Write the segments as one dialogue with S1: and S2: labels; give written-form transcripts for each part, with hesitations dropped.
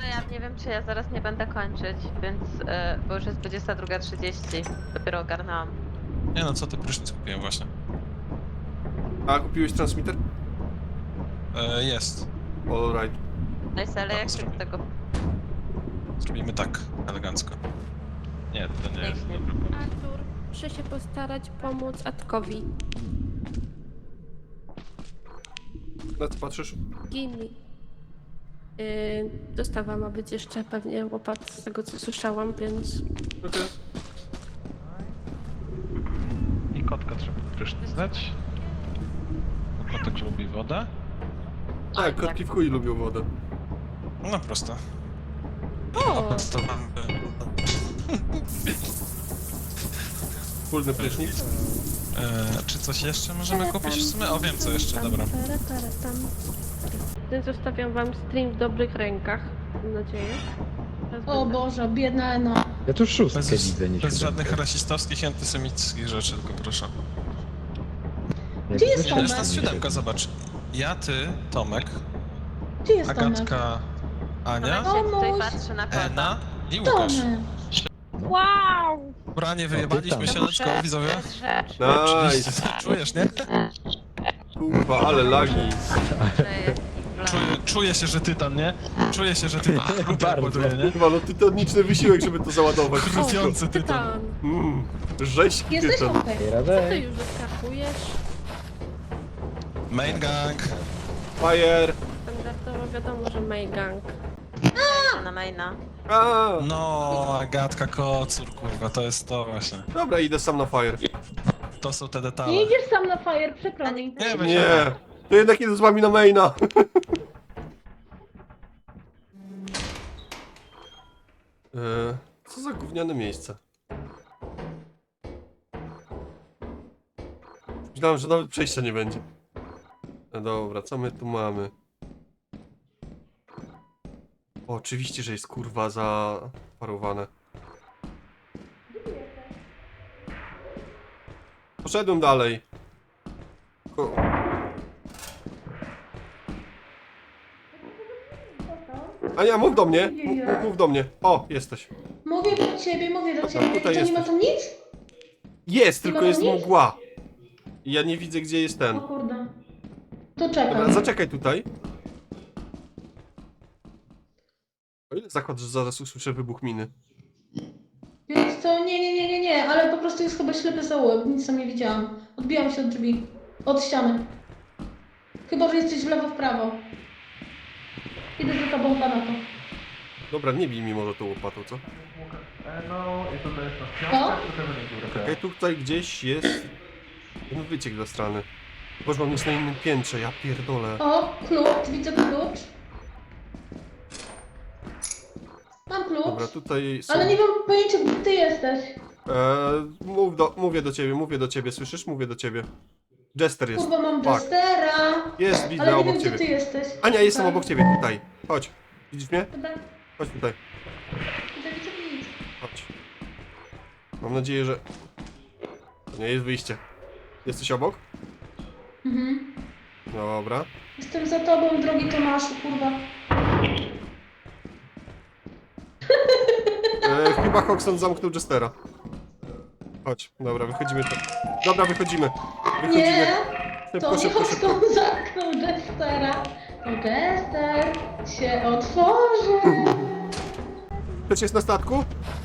S1: No ja nie wiem, czy ja zaraz nie będę kończyć, więc, bo już jest 22:30, dopiero ogarnęłam.
S2: Nie no, co ty, prysznic kupiłem właśnie.
S3: A kupiłeś transmitter?
S2: Jest.
S3: Alright.
S1: Nice, ale jak się
S2: zrobię.
S1: z tego...
S2: Zrobimy tak, elegancko. Nie, to nie jest
S1: Pięknie.
S2: dobry pomysł.
S4: Artur, muszę się postarać pomóc Atkowi.
S3: Na co patrzysz?
S4: Gini. Dostawa ma być jeszcze pewnie łopat z tego co słyszałam, więc...
S3: Okej.
S2: I kotka trzeba prysznicać. Bo kotek lubi wodę.
S3: Tak, kotki w chuj lubią wodę.
S2: No prosto.
S4: O!
S2: To mamy...
S3: Wspólny prysznic.
S2: Czy coś jeszcze możemy kupić w sumie? O, wiem co jeszcze, dobra.
S4: Zostawiam wam stream w dobrych rękach, mam nadzieję. Teraz
S5: O
S4: będę-
S5: Boże, biedna Ena.
S6: Ja tu szóstkę
S2: Bez,
S6: widzę, nie
S2: bez
S6: siódemkę.
S2: żadnych rasistowskich i antysemickich rzeczy, tylko proszę.
S6: Jak
S5: Gdzie jest
S6: wyszedł,
S2: To jest
S5: Tomek?
S2: nas siódemka, zobacz. Ja, ty, Tomek,
S5: Gdzie jest Tomek?
S2: Agatka, Ania,
S1: Tomek się tutaj
S5: Tomuś.
S1: patrzy na kota.
S2: Ena i Łukasz.
S5: Tomek.
S4: Wow!
S2: Branie, wyjebaliśmy
S6: tam.
S2: się, let's go, widzowie.
S1: To jest rzecz,
S2: Oczywiście,
S3: Nice.
S2: czujesz, nie?
S3: Kurwa, ale lagi.
S1: że jest
S2: Czuję się, że tytan, nie? Czuję się, że tytan
S6: Bardzo.
S2: ładuje, nie?
S3: Kurwa, no tytaniczny wysiłek, żeby to załadować.
S2: Chrupiący tytan.
S3: Rzeź
S5: Jesteś
S3: tytan.
S5: okej.
S6: Ej,
S4: Co ty
S6: Radek,
S4: już wyskakujesz?
S2: Main gang.
S3: Fire.
S4: Standardowo wiadomo, że Maygang.
S1: na maina.
S3: A,
S2: No, Agatka Kocur, kurwa, to jest to właśnie.
S3: dobra, idę sam na fire.
S2: To są te
S5: Nie
S2: detale.
S5: idziesz sam na fire, przykro mi.
S2: Nie, weź
S3: Nie, to jednak idę z wami na maina. Co za gówniane miejsce. Myślałem, że nawet przejścia nie będzie. No dobra, co my tu mamy? O, oczywiście, że jest kurwa zaparowane. Poszedłem dalej. Ania, mów do mnie. Mów do mnie. O, jesteś.
S5: Mówię do ciebie, mówię do ciebie.
S3: tutaj
S5: To nie ma
S3: jesteś.
S5: tam nic?
S3: Jest,
S5: Nie
S3: tylko
S5: ma
S3: jest
S5: nic?
S3: mgła. I ja nie widzę, gdzie jest ten.
S5: O kurde. To
S3: Dobra,
S5: czekam.
S3: zaczekaj tutaj. O ile zakład, że zaraz usłyszę wybuch miny?
S5: Więc to nie, ale po prostu jest chyba ślepy zaułek, nic tam nie widziałam. Odbijam się od drzwi. Od ściany. Chyba, że jesteś w lewo, w prawo. Idę za tobą, Panato.
S3: Dobra, nie bij mi może tą łopatą, co?
S2: No, i tutaj jest
S5: O?
S3: Okej, tutaj gdzieś jest... ten wyciek do strony. Boże, mam jest na innym piętrze, ja pierdolę.
S5: O, klucz, widzę klucz. Mam klucz.
S3: Dobra, tutaj są...
S5: Ale nie mam pojęcia, gdzie ty jesteś.
S3: Mówię do ciebie, słyszysz? Mówię do ciebie. Jester jest.
S5: Kurwa, mam
S3: Fuck.
S5: Jestera.
S3: Jest, widzę
S5: Ale nie
S3: obok
S5: wiem, gdzie ty
S3: ciebie.
S5: jesteś.
S3: Ania, jestem
S5: Tutaj.
S3: obok ciebie, tutaj. Chodź. Widzisz mnie?
S5: Dobra,
S3: Chodź tutaj.
S5: widzę nic.
S3: Chodź. Mam nadzieję, że... To nie jest wyjście. Jesteś obok?
S5: Mhm.
S3: Dobra.
S5: Jestem za tobą, drogi Tomaszu, kurwa.
S3: Chyba Hoxton zamknął Jestera. Chodź, dobra, wychodzimy. Dobra, wychodzimy.
S5: Nie,
S3: Szybko,
S5: to nie
S3: szybko, szybko.
S5: Hoxton zamknął Jestera. To Jester się otworzy.
S3: Ktoś jest na statku?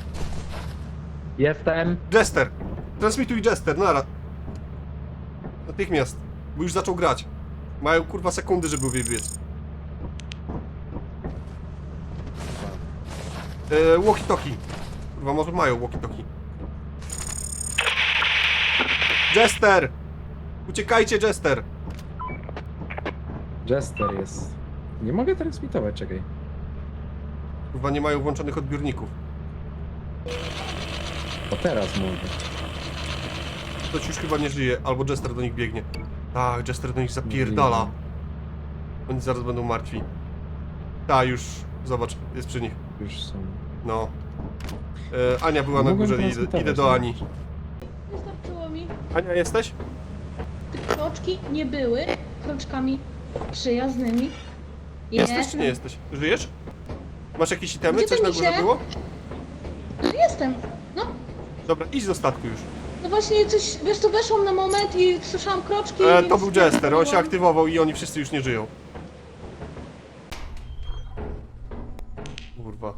S6: jestem.
S3: Jester! Transmituj Jester, nara. Natychmiast, bo już zaczął grać. Mają kurwa sekundy, żeby wybiec. Walkie-talkie. Kurwa, może mają walkie-talkie. Jester! Uciekajcie, Jester!
S6: Jester jest. Nie mogę transmitować, czekaj.
S3: Kurwa, nie mają włączonych odbiorników.
S6: O teraz mogę.
S3: Ktoś już chyba nie żyje, albo Jester do nich biegnie. Tak, Jester do nich zapierdala. Oni zaraz będą martwi. Tak, już, zobacz, jest przy nich.
S6: Już są.
S3: No. Ania była na
S6: Mogłem
S3: górze, idę
S6: transmitować,
S3: do
S6: no.
S3: Ani.
S5: Wystarczyło mi.
S3: Ania, jesteś?
S5: Te kroczki nie były kroczkami przyjaznymi.
S3: Jesteś czy nie jesteś? Żyjesz? Masz jakieś itemy?
S5: Gdzie
S3: Coś
S5: ty,
S3: na górze
S5: misie?
S3: było?
S5: Jestem. No.
S3: Dobra, idź do statku już.
S5: No właśnie coś, wiesz co, weszłam na moment i słyszałam kroczki.
S3: To
S5: więc
S3: był Jester, on się
S5: stwierdziłam-
S3: aktywował i oni wszyscy już nie żyją. Kurwa.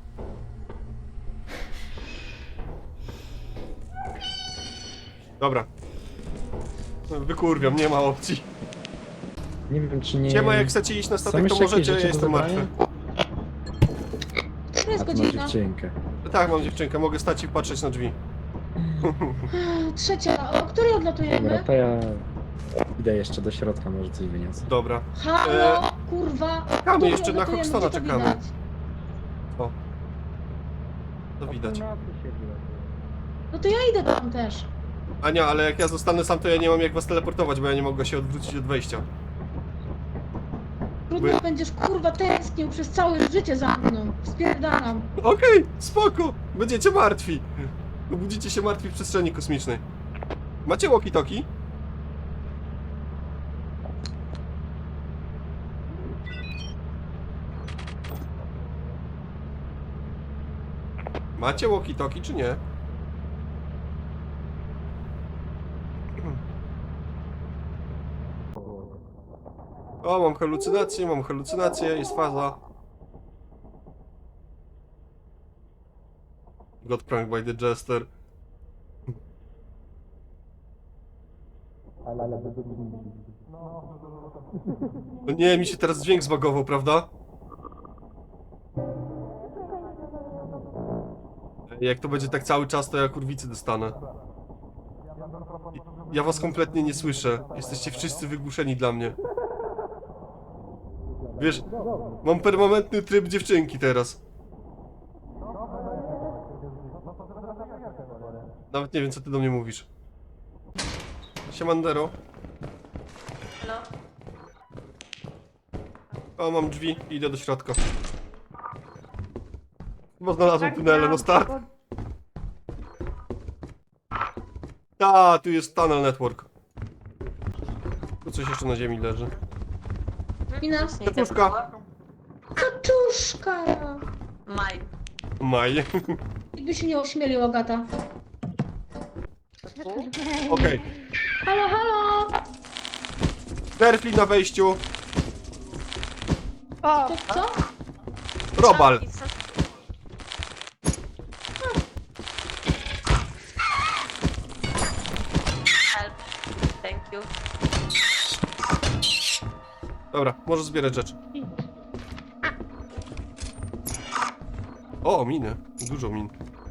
S3: Dobra. Wykurwiam, nie ma opcji.
S6: Nie wiem, czy nie...
S3: Siema, jak chcecie iść na
S6: Są
S3: statek, to
S6: jeszcze jakieś
S3: możecie, ja
S6: rzeczy do
S3: jestem
S6: zabrania?
S3: martwy.
S5: To jest
S6: A tu masz
S5: godzina.
S6: dziewczynkę.
S3: Tak, mam dziewczynkę, mogę stać i patrzeć na drzwi.
S5: Trzecia. O której
S6: Dobra,
S5: odlatujemy?
S6: to ja idę jeszcze do środka, może coś wyniosę.
S3: Dobra.
S5: Halo, kurwa.
S3: czekamy,
S5: Której
S3: jeszcze na
S5: odlatujemy?
S3: Hoxtona
S5: Gdzie to
S3: czekamy.
S5: widać?
S3: To widać.
S5: No to ja idę tam też.
S3: Ania, ale jak ja zostanę sam, to ja nie mam jak was teleportować, bo ja nie mogę się odwrócić od wejścia.
S5: Trudno będziesz kurwa tęsknił przez całe życie za mną. Spierdalam.
S3: Okej, spoko. Będziecie martwi. Obudzicie się martwi w przestrzeni kosmicznej. Macie walkie-talkie? Macie walkie-talkie czy nie? O, mam halucynację, jest faza. Got pranked by the Jester. No nie, mi się teraz dźwięk zbagował, prawda? Jak to będzie tak cały czas, to ja kurwicy dostanę. Ja was kompletnie nie słyszę. Jesteście wszyscy wygłuszeni dla mnie. Wiesz, mam permanentny tryb dziewczynki teraz. Nawet nie wiem, co ty do mnie mówisz. Siemandero.
S1: Halo?
S3: O, mam drzwi i idę do środka. Chyba znalazłem
S4: Tak,
S3: tunele, no start. A, tu jest tunnel network. Tu coś jeszcze na ziemi leży.
S5: Mina?
S1: Właśnie idę
S3: Kaczuszka.
S1: po-
S5: Kaczuszka!
S1: Maj.
S3: Maj.
S5: Jakby się nie ośmielił, Agata.
S3: Okej.
S5: Halo, halo!
S3: Perfli na wejściu.
S4: O,
S5: To co?
S3: Robal.
S1: Help. Thank you.
S3: Dobra, możesz zbierać rzeczy. O, miny. Dużo min.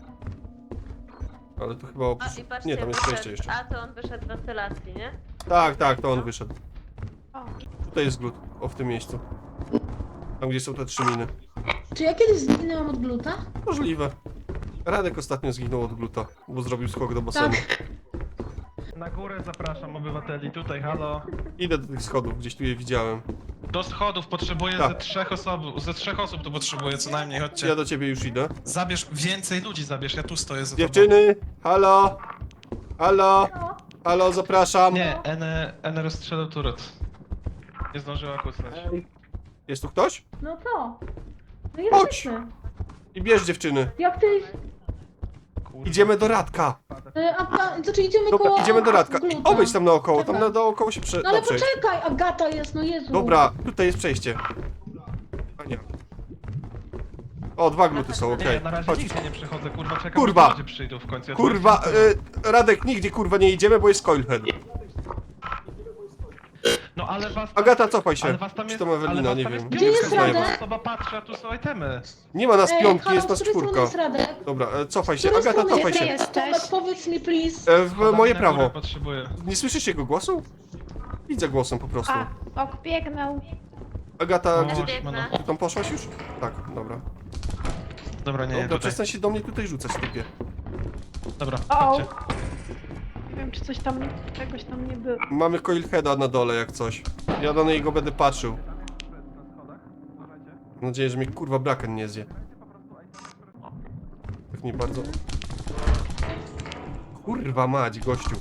S3: Ale to chyba
S1: A
S3: oprócz...
S1: i patrzcie,
S3: Nie, tam jest przejście
S1: wyszedł.
S3: jeszcze.
S1: A to on wyszedł z wentylacji, nie?
S3: Tak, tak, to on wyszedł.
S4: o.
S3: Tutaj jest glut. O, w tym miejscu. Tam, gdzie są te 3 miny.
S5: Czy ja kiedyś zginęłam od gluta?
S3: Możliwe. Radek ostatnio zginął od gluta, bo zrobił skok do basenu.
S5: Tak.
S2: Na górę zapraszam obywateli, tutaj, halo.
S3: Idę do tych schodów, gdzieś tu je widziałem.
S2: Do schodów potrzebuję
S3: Tak.
S2: ze trzech osób tu potrzebuję co najmniej, chodźcie.
S3: Ja do ciebie już idę.
S2: Zabierz, więcej ludzi zabierz, ja tu stoję za tobą.
S3: Dziewczyny! Halo! Halo! Halo, zapraszam!
S2: Nie, N rozstrzelał turret. Nie zdążyła kusnąć.
S3: Jest tu ktoś?
S5: No co? No
S3: Chodź!
S5: jesteśmy.
S3: I bierz dziewczyny.
S5: Jak ty...
S2: Kurwa.
S3: Idziemy do Radka.
S5: Znaczy idziemy
S3: Dobra,
S5: koło...
S3: idziemy do Radka. I
S5: gluta.
S3: obejdź tam naokoło, tam
S5: Czekaj.
S3: naokoło się
S5: No ale
S3: da przejść.
S5: poczekaj, Agata jest, no Jezu.
S3: Dobra, tutaj jest przejście. Ania. O, 2 gluty są,
S2: Nie,
S3: okej.
S2: na razie
S3: Chodź.
S2: nigdzie nie przychodzę, kurwa, czekam,
S3: Kurwa!
S2: aż ludzie przyjdą w końcu. Ja tu
S3: Kurwa,
S2: jestem.
S3: Radek, nigdzie kurwa nie idziemy, bo jest Coilhead.
S2: No ale was...
S3: Agata, cofaj
S2: ale
S3: się.
S2: was tam
S3: Czy
S2: jest,
S3: to Ewelina,
S2: ale was
S3: nie
S2: tam
S3: wiem.
S5: Gdzie jest
S3: Znaję
S5: Radek?
S3: was.
S2: Osoba patrzy, a tu są itemy.
S3: Nie ma nas piątki,
S5: halo,
S3: jest
S5: z
S3: nas
S5: której strony
S3: czwórka.
S5: jest Radek?
S3: Dobra, cofaj
S5: Z
S3: się.
S5: której
S3: Agata,
S5: strony
S3: cofaj
S5: jest
S3: się.
S5: Radek? Tomek, powiedz mi, please.
S3: W moje
S2: Na górę
S3: prawo.
S2: potrzebuję.
S3: Nie słyszysz jego głosu? Widzę głosem po prostu.
S4: A, ok, biegnę.
S3: Agata,
S2: O,
S3: ty,
S1: biegnę.
S3: ty tam poszłaś już? Tak, dobra.
S2: Dobra, nie,
S3: Dobra,
S2: tutaj.
S3: przestań się do mnie tutaj rzucać, typie.
S2: Dobra,
S4: O.
S2: chodźcie.
S4: Nie wiem, czy coś tam, czegoś tam nie było.
S3: Mamy Coilheada na dole jak coś. Ja do niego będę patrzył. Mam nadzieję, że mnie kurwa braken nie zje. Tak nie bardzo. Kurwa mać, gościu.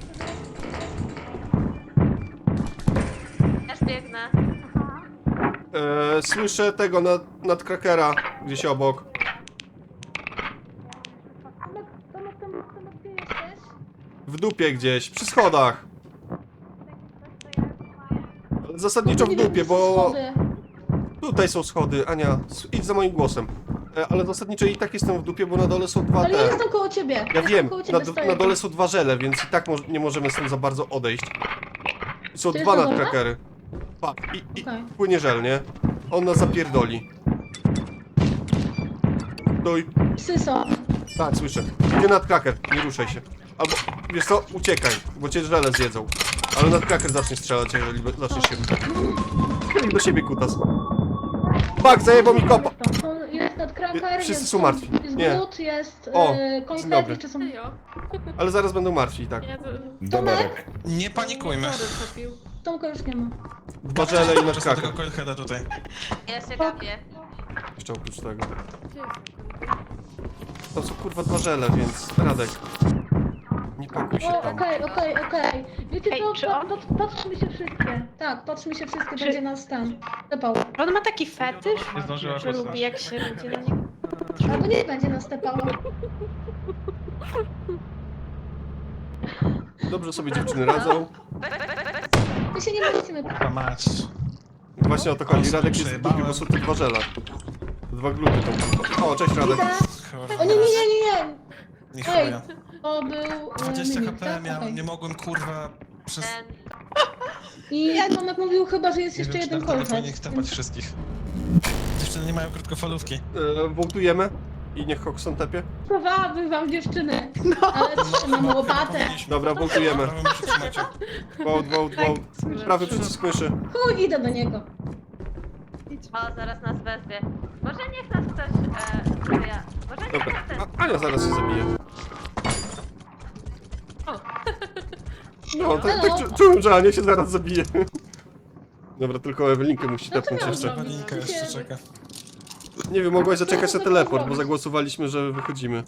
S1: Też biegnę.
S3: Słyszę tego nad krakera, gdzieś obok.
S5: Tomek, gdzie jesteś?
S3: W dupie gdzieś, przy schodach. Zasadniczo w
S5: Nie wiem,
S3: dupie,
S5: gdzie są
S3: bo
S5: schody.
S3: tutaj są schody. Ania, idź za moim głosem. Ale zasadniczo i tak jestem w dupie, bo na dole są dwa
S5: Ale ja
S3: te.
S5: jestem koło ciebie.
S3: Ja
S5: Jestem
S3: wiem,
S5: koło ciebie, stoję.
S3: na dole są dwa żele, więc i tak nie możemy stąd za bardzo odejść. I są
S5: To
S3: dwa
S5: jest na dole?
S3: nadkrakery. Patrz, i
S5: Okej.
S3: płynie żel, nie? On nas zapierdoli. Stój.
S5: Psy są.
S3: Tak, słyszę. Idzie nadkraker, nie ruszaj się. Albo, wiesz co, uciekaj, bo cię żele zjedzą. Ale nadkraker zacznie strzelać, jeżeli zaczniesz się... Chyli do siebie, kutas. Fuck, zajebał mi kopa!
S5: Jest nadkraker,
S3: Wszyscy
S5: jest,
S3: są martwi.
S5: jest
S3: Nie.
S5: glut, jest
S3: O,
S5: koń
S3: dzień dobry.
S5: jeszcze są...
S4: Serio?
S3: Ale zaraz będą martwi i tak.
S4: Ja to...
S7: Doberek.
S8: Nie panikujmy.
S4: Sorry, trafił.
S5: Tomka już nie ma.
S3: Dwa żele i
S8: Przez
S3: nadkraker.
S8: tego coilheada tutaj.
S1: Ja się gapię.
S3: Jeszcze oprócz tego.
S4: Gdzie jest?
S3: To są kurwa dwa żele, więc Radek. Nie pakuj się
S5: O,
S3: tam.
S5: okej. Wiecie
S1: Ej,
S5: co,
S1: czy on-
S5: patrzmy się wszystkie. Tak, patrzmy się wszystkie,
S1: Czy-
S5: będzie nas ten. Stepał.
S1: On ma taki fetysz,
S2: Nie zdążyła
S1: że lubi
S2: kucnąć.
S1: jak się ludzie na niego...
S5: Albo nie będzie nas stepało.
S3: Dobrze sobie dziewczyny radzą.
S5: My się nie martwimy.
S8: Kurwa mać.
S3: Właśnie o to chodzi.
S8: Ale
S3: Radek
S8: sobie
S3: jest w dupie, bo są te dwa żele. Dwa gluty tam. O, cześć Radek.
S5: Widzę. O nie.
S8: Nie
S5: Ej,
S8: chuja.
S5: to był
S8: 20
S5: Mimik,
S8: HP
S5: tak?
S8: miałem,
S5: Okej.
S8: nie mogłem kurwa przez...
S1: Ten...
S5: I Tomek mówił chyba, że jest
S8: Nie
S5: jeszcze
S8: wiem, czy
S5: jeden
S8: na telefonie
S5: kolcet.
S8: tepać wszystkich. Dziewczyny nie mają krótkofalówki.
S3: Wołtujemy. I niech Hoxton tepie.
S5: Chowały wam dziewczyny. Ale trzymam łopatę.
S3: Dobra, wołtujemy.
S8: Prawo mi przytrzymacie.
S3: Wołt. Prawy przycisk myszy.
S5: Chuj, idę do niego.
S1: O, zaraz nas wezwie. Może niech nas ktoś... ja. Może niech
S3: Dobra.
S1: nas ten...
S3: Ania zaraz się zabije. No, tak czułem, że Ania się zaraz zabije. Dobra, tylko Ewelinkę musi
S5: No to
S3: tepnąć
S5: miał
S3: jeszcze.
S5: zrobić.
S8: Walinka jeszcze czeka.
S3: Nie wiem, mogłaś zaczekać na teleport, bo zagłosowaliśmy, że wychodzimy.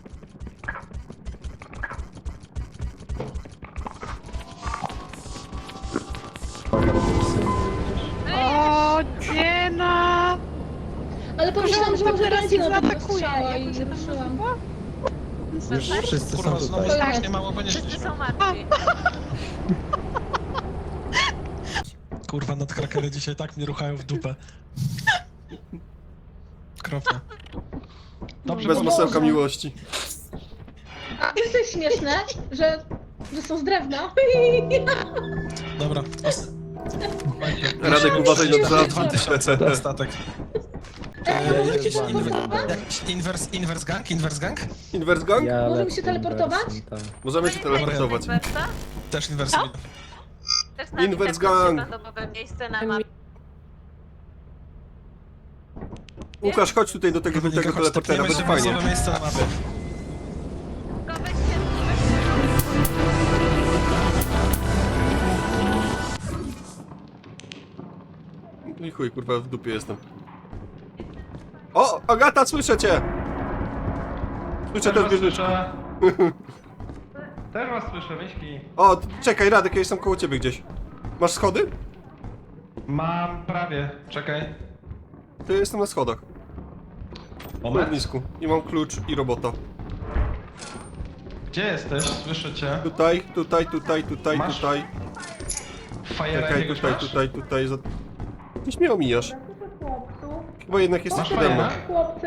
S1: O, dziena!
S5: Ale pomyślałam, że może
S1: teraz
S5: będzie
S1: ich
S5: na tego
S1: zaatakuje.
S5: strzała i
S1: Jak się tam
S5: ruszyłam.
S6: Już wszyscy są
S8: Kurwa, znowu
S6: tutaj.
S8: strasznie mało
S1: Wszyscy
S8: wynieśliśmy.
S1: są martwi.
S8: Kurwa, nadkrakery dzisiaj tak mnie ruchają w dupę. Kropka.
S2: Dobrze,
S3: Bez
S5: O
S3: masełka
S5: Boże.
S3: miłości.
S5: A jest też śmieszne, że są z drewna.
S8: Dobra.
S3: Radek, uważaj na
S8: Dwa-
S3: dwa
S8: 2000 na statek. Jakiś
S5: Możemy się teleportować?
S8: Jakiś inverse gang?
S3: Inverse gang?
S6: Ja
S5: Możemy
S6: lecę
S5: się teleportować?
S6: inwersem, tak.
S3: Możemy się teleportować.
S8: Też inverse.
S1: Też z nami
S3: Inverse
S1: tak
S3: gang.
S1: randomowe miejsce na mapie.
S3: Łukasz, chodź tutaj do tego teleportera, będzie fajnie.
S8: miejsce na mapie.
S1: Tylko weźcie...
S3: I chuj, kurwa, w dupie jestem. O, Agata, słyszę cię! Słyszę też wieżyczkę.
S2: Też was słyszę, Wyśki.
S3: O, czekaj, Radek, ja jestem koło ciebie gdzieś. Masz schody?
S2: Mam prawie, czekaj.
S3: To ja jestem na schodach. W
S2: Moment.
S3: ognisku. I mam klucz i robota.
S2: Gdzie jesteś? Słyszę cię.
S3: Tutaj.
S2: Masz? Fajera
S3: Czekaj,
S2: jakiegoś masz?
S3: tutaj. Gdzieś mnie omijasz. Chyba jednak jesteś
S2: Masz
S3: przede mną.
S2: fajera?
S5: Chłopcy.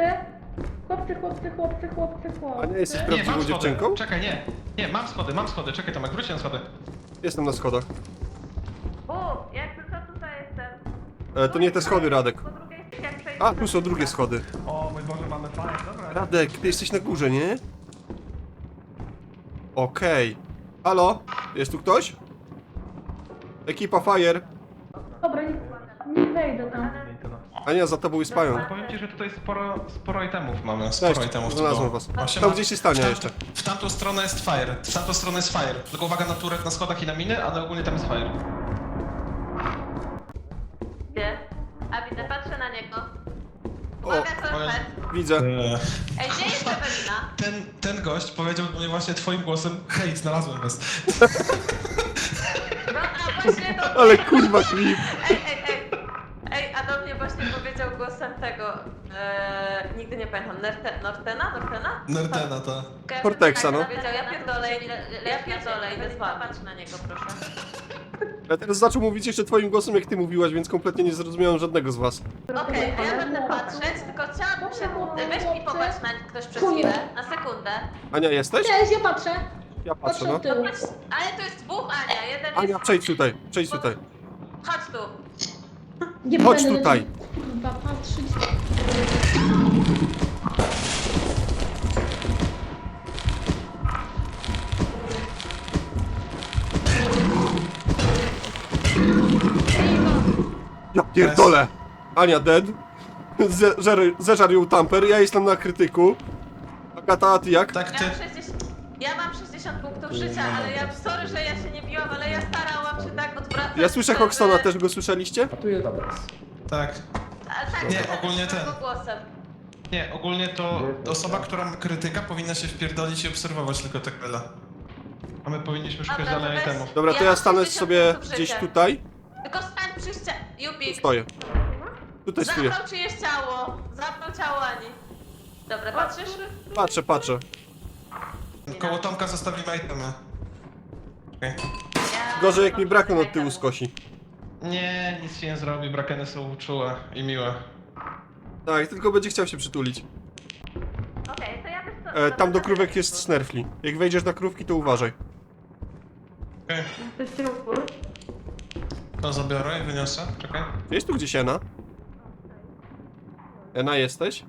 S3: A nie jesteś
S2: Nie,
S3: prawdziwą
S2: mam schody.
S3: dziewczynką?
S2: Czekaj, nie. Nie, mam schody. Czekaj, Tomek, wróć na schody.
S3: Jestem na schodach.
S1: Jakby co tutaj jestem.
S3: To nie te schody, Radek.
S1: Po drugiej stronie jak przejdę...
S3: A, tu są drugie schody.
S2: O mój Boże, mamy fajnie, dobra.
S3: Radek, ty jesteś na górze, nie? Okej. Halo? Jest tu ktoś? Ekipa Fire.
S5: Dobra, nie wejdę tam.
S3: Ania, za tobą jest pająk.
S2: Powiem ci, że tutaj sporo itemów mamy.
S8: Mamy sporo
S3: Cześć,
S8: itemów. tu
S3: znalazłem
S8: było.
S3: was.
S8: Właśnie
S3: Tam
S8: ma-
S3: gdzieś jest Tania jeszcze.
S8: W tamtą stronę jest fire. W tamtą stronę jest fire. Tylko uwaga na turret na schodach i na miny, ale ogólnie tam jest fire.
S1: Gdzie? A widzę, patrzę na niego.
S3: O,
S1: Uwaga,
S8: o
S1: co
S8: Jezu.
S3: widzę.
S1: Ej, gdzie jest Ewelina?
S8: Ten gość powiedział do mnie właśnie twoim głosem: hej, znalazłem was.
S1: No, a właśnie to...
S3: Ale kurwa klip.
S1: Ej, a do mnie właśnie powiedział głosem tego, nigdy nie pamiętam, Nortena?
S8: Nerdena, ta.
S3: Cortexa, no.
S1: Powiedział, ja pierdolę, idę spać. Patrz na niego, proszę.
S3: Ja teraz zaczął mówić jeszcze twoim głosem, jak ty mówiłaś, więc kompletnie nie zrozumiałem żadnego z was.
S1: Okej, to ja będę patrzeć, tylko chciałabym się... Weź mi popatrz na ktoś przez chwilę, na sekundę.
S3: Ania, jesteś?
S5: Cześć, ja patrzę.
S3: Ja patrzę,
S5: Patrzę
S3: no.
S5: od tyłu.
S1: Patrz, ale to jest dwóch Ania, jeden
S3: Ania,
S1: jest...
S3: przejdź tutaj, przejdź tutaj.
S1: Chodź tu.
S5: Nie
S3: Chodź
S5: będę
S3: tutaj.
S5: Kurwa, patrzeć.
S3: Ja pierdolę! Ania dead. Zeżar ją tamper, ja jestem na krytyku. Agata, a ty jak?
S8: Tak, ty.
S1: Ja mam 60 punktów życia, ale ja... Sorry, że ja się nie biłam, ale ja starałam się tak odwracać...
S3: Ja słyszę
S1: żeby-
S3: Hoxtona, też go słyszeliście?
S6: A tu jest obraz.
S8: Tak.
S1: A, tak,
S8: Nie,
S1: tak,
S8: ogólnie
S1: tak,
S8: ten.
S1: głosem.
S8: Nie, ogólnie to osoba, która ma krytyka, powinna się wpierdolić i obserwować tylko tak byle. A my powinniśmy szukać
S1: Dobra,
S8: dalej
S1: to weź-
S8: itemów.
S3: Dobra, to
S1: Ja
S3: ja
S1: mam
S3: stanę
S1: 60
S3: sobie
S1: punktów
S3: gdzieś
S1: życia.
S3: tutaj.
S1: Tylko stań przy ścianie. Jupik,
S3: Stoję. Tutaj stoję.
S1: zapnął czyjeś ciało. Zapnął ciało Ani. Dobra, patrzysz?
S3: Patrzę, patrzę.
S8: Koło Tomka zostawimy itemy. Okej.
S1: Ja
S3: Gorzej jak mi
S1: mam
S3: brakon od
S1: tutaj
S3: tyłu
S1: temu.
S3: skosi.
S8: Nie, nic się nie zrobi, brakeny są czułe i miłe.
S3: Tak, tylko będzie chciał się przytulić.
S1: Okej, to ja bym to...
S3: Tam do krówek jest snerfli. Jak wejdziesz na krówki, to uważaj.
S8: Okej,
S4: Jesteście u góry?
S8: to zabiorę i wyniosę. Czekaj.
S3: Jest tu gdzieś Ena? Ena, jesteś?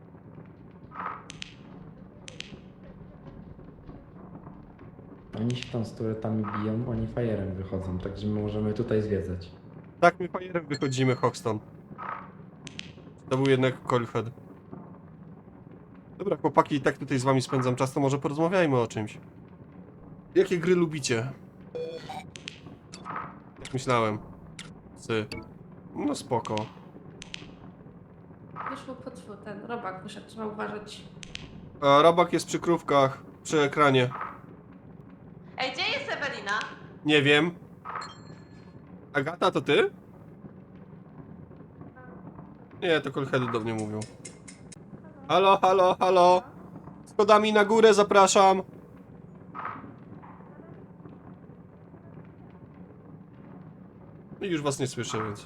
S6: Oni się tam z turetami biją, oni fajerem wychodzą, także my możemy tutaj zwiedzać.
S3: Tak, my fajerem wychodzimy, Hoxton. To był jednak Coilhead. Dobra, chłopaki, i tak tutaj z wami spędzam czas, to może porozmawiajmy o czymś. Jakie gry lubicie? Jak myślałem. No spoko.
S4: Wyszło, ten robak wyszedł, trzeba uważać.
S3: A Rabak jest przy krówkach, przy ekranie.
S1: Ej, gdzie jest Ewelina?
S3: Nie wiem. Agata, to ty? Nie, to Coilheady do mnie mówią. Halo, halo, halo. Schodami na górę zapraszam. I już was nie słyszę, więc...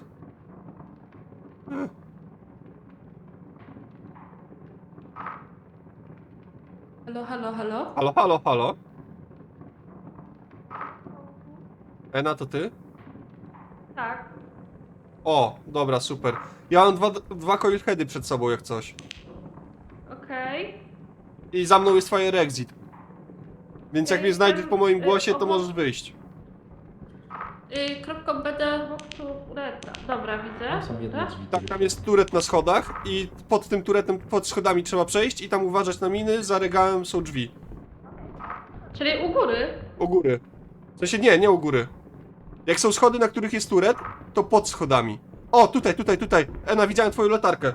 S4: Halo, halo, halo?
S3: Halo, halo, halo. Ena, to ty?
S4: Tak.
S3: O, dobra, super. Ja mam dwa Coilheady przed sobą, jak coś.
S4: Okej.
S3: I za mną jest Fire Exit. Więc jak
S4: Ja
S3: mnie znajdziesz po moim
S4: jestem,
S3: głosie, to
S4: obok-
S3: możesz wyjść.
S4: Kropką będę wokół reta. Dobra, widzę.
S6: Tam są jedne
S4: Tak?
S6: drzwi.
S3: Tak, tam jest turet na schodach i pod tym turetem, pod schodami trzeba przejść i tam uważać na miny, za regałem są drzwi.
S4: Czyli u góry?
S3: U góry. W sensie nie u góry. Jak są schody, na których jest turet, to pod schodami. O, tutaj, tutaj, tutaj. Ena, widziałem twoją latarkę.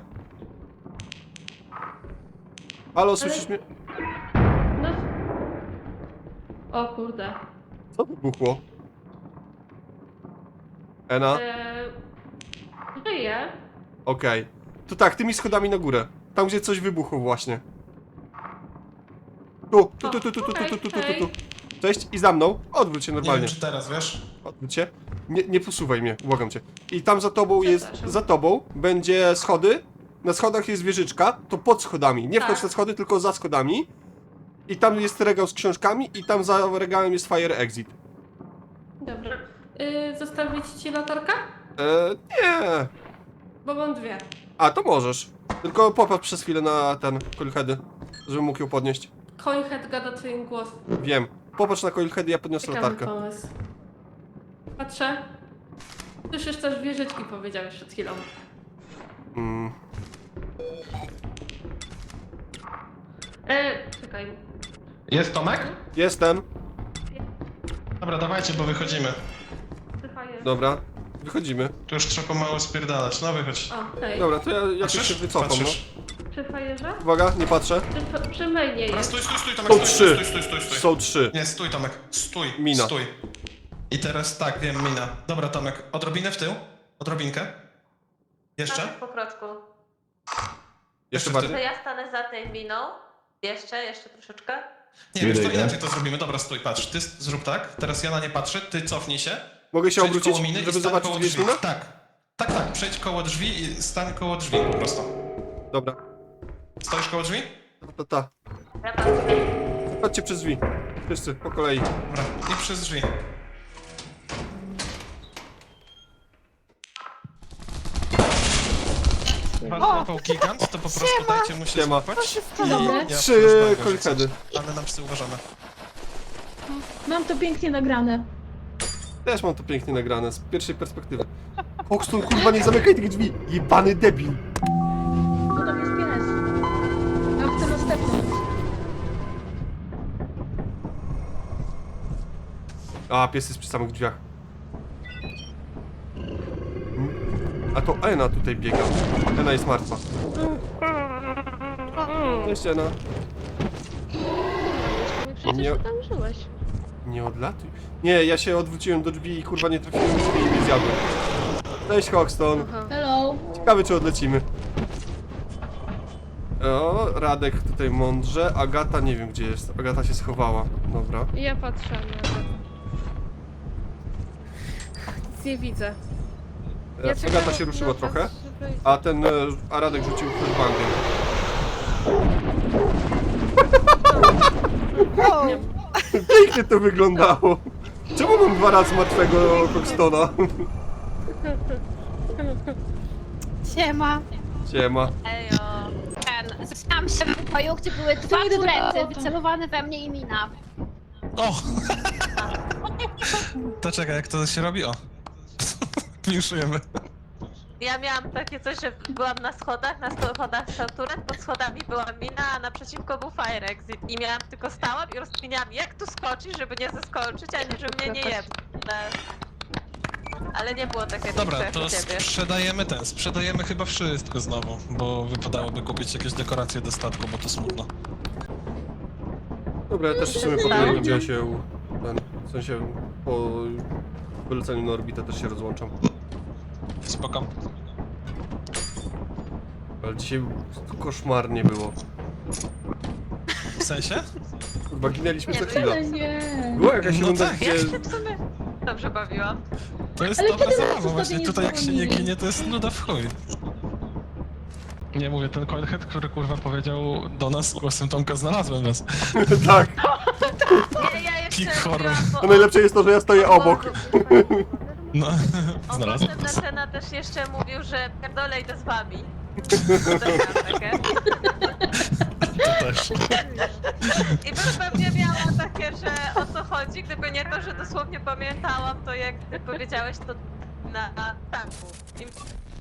S3: Halo, słyszysz mnie?
S4: No. O kurde.
S3: Co wybuchło? Ena?
S4: Żyję.
S3: Okej. To tak, tymi schodami na górę. Tam, gdzie coś wybuchło właśnie. Tu. Cześć, i za mną. Odwróć się
S8: Nie
S3: normalnie.
S8: wiem, czy teraz, wiesz?
S3: Odwróć się. Nie posuwaj mnie, błagam cię. I tam za tobą jest,
S4: Przepraszam.
S3: za tobą będzie schody. Na schodach jest wieżyczka, to pod schodami. Nie wchodź
S4: Tak.
S3: na schody, tylko za schodami. I tam jest regał z książkami i tam za regałem jest Fire Exit.
S4: Dobra. Zostawić ci latarkę?
S3: Nie.
S4: Bo mam dwie.
S3: A, to możesz. Tylko popatrz przez chwilę na ten Coilheady, żebym mógł ją podnieść.
S4: Coilhead gada twoim głosem.
S3: Wiem. Popatrz na Coilheady, ja podniosę
S4: Ciekawy
S3: latarkę.
S4: pomysł. Patrzę. Słyszysz też wieżyczki, powiedziałeś przed chwilą.
S3: Mm.
S4: Czekaj.
S8: Jest Tomek?
S3: Jestem.
S8: Dobra, dawajcie, bo wychodzimy.
S4: Fajer.
S3: Dobra. Wychodzimy.
S8: Tu już trzeba pomału spierdalać. No wychodź.
S4: O, hej.
S3: Dobra, to ja jakoś się wycofam, no.
S8: Patrzysz?
S4: Przy fajerze?
S3: Uwaga, nie patrzę.
S4: Przy mainie
S8: Dobra,
S4: jest.
S8: stój, Tomek,
S3: Są
S8: stój,
S3: trzy.
S8: stój.
S3: Są 3.
S8: Nie, stój Tomek, stój,
S3: Mina.
S8: stój. I teraz tak, wiem, mina. Dobra Tomek, odrobinę w tył, odrobinkę. Jeszcze?
S1: Po kroczku.
S3: Jeszcze
S8: Jeszcze
S3: bardziej.
S1: To ja stanę za tej miną. Jeszcze troszeczkę.
S8: Nie, wiesz, to inaczej to zrobimy. Dobra, stój, patrz. Ty zrób tak, teraz ja na nie patrzę, ty cofnij się.
S3: Mogę się
S8: Przejdź
S3: obrócić,
S8: koło miny i
S3: żeby
S8: stań
S3: zobaczyć,
S8: koło
S3: gdzie jest
S8: drzwi.
S3: mina?
S8: Tak. Tak, przejdź koło drzwi i stań koło drzwi po prostu.
S3: Dobra.
S8: Stoisz koło drzwi?
S3: Ta.
S1: Ja patrzę.
S3: Chodźcie przez drzwi. Wszyscy, po kolei.
S8: Dobra, i przez drzwi. Pan złapał gigant, to po prostu dajcie mu się
S3: Siema.
S8: złapać.
S5: Dobre.
S8: Ja
S3: 3
S8: rozdaję
S3: kolchedy.
S8: coś, ale na psy uważamy.
S5: Mam to pięknie nagrane.
S3: Też mam to pięknie nagrane, z pierwszej perspektywy. Hoxton, kurwa, nie zamykaj tych drzwi! Jebany debil!
S5: No tam jest pies. A chcę następny.
S3: A, pies jest przy samych drzwiach. A to Ena tutaj biega. Ena jest martwa. Cześć, Ena.
S1: Przecież
S3: Nie-
S1: ty tam żyłeś.
S3: Nie odlatuj. Nie, ja się odwróciłem do drzwi i kurwa nie trafiłem w drzwi i mnie zjadłem. Cześć, Hoxton.
S5: Hello.
S3: Ciekawe, czy odlecimy. O, Radek tutaj mądrze. Agata nie wiem, gdzie jest. Agata się schowała. Dobra.
S7: Ja patrzę na to. Nic nie widzę. Ja czekam
S3: Agata się ruszyła
S7: na was,
S3: trochę.
S7: żeby-
S3: A Radek rzucił flashbangiem. Pięknie to wyglądało. Czemu mam 2 razy martwego Hoxtona?
S9: Siema.
S3: Siema.
S1: Ejo.
S9: Zaczęłam się w pokoju, gdzie były dwa
S5: idę do
S9: turety
S5: auta.
S9: wycelowane we mnie i mina.
S8: O! To czekaj, jak to się robi? O. Minusujemy.
S1: Ja miałam takie coś, że byłam na schodach stał turret, pod schodami była mina, a naprzeciwko był fire exit. I miałam tylko stałam i rozkminiałam, jak tu skoczyć, żeby nie zeskoczyć, ani żeby mnie nie jebnąć. Ale nie było takie
S8: Dobra,
S1: jak
S8: to
S1: u ciebie.
S8: sprzedajemy chyba wszystko znowu, bo wypadałoby kupić jakieś dekoracje do statku, bo to smutno.
S3: Dobra, ja też w sumie po
S1: Tak.
S3: tym gdzie się... w sensie po wyleceniu na orbitę też się rozłączam.
S8: Spoko.
S3: Ale dzisiaj koszmarnie było.
S8: W sensie?
S3: Chyba ginęliśmy co
S1: Nie,
S3: chwilę.
S5: Ale nie.
S3: Była jakaś
S8: No
S3: runda,
S8: tak,
S3: gdzie...
S1: Ja się w sumie dobrze bawiłam.
S8: To jest
S5: Ale
S8: dobra
S5: kiedy nas
S8: zabawa,
S5: ostatnio
S8: właśnie
S5: nie
S8: tutaj jak się nie
S5: dzwonili?
S8: ginie, to jest nuda w chuj. Nie mówię, ten coinhead, który kurwa powiedział do nas głosem Tomka, znalazłem was.
S3: Tak.
S1: Nie, ja jeszcze
S8: Peak horror.
S1: mówiłam, bo
S3: To najlepsze jest to, że ja stoję obok.
S8: No,
S1: On
S8: znalazłem
S1: potem
S8: was.
S1: Natena też jeszcze mówił, że pierdolę idę z wami. To też miałam takie.
S8: To też.
S1: I bym pewnie miała takie, że o co chodzi, gdyby nie to, że dosłownie pamiętałam to, jak ty powiedziałeś to na tanku. I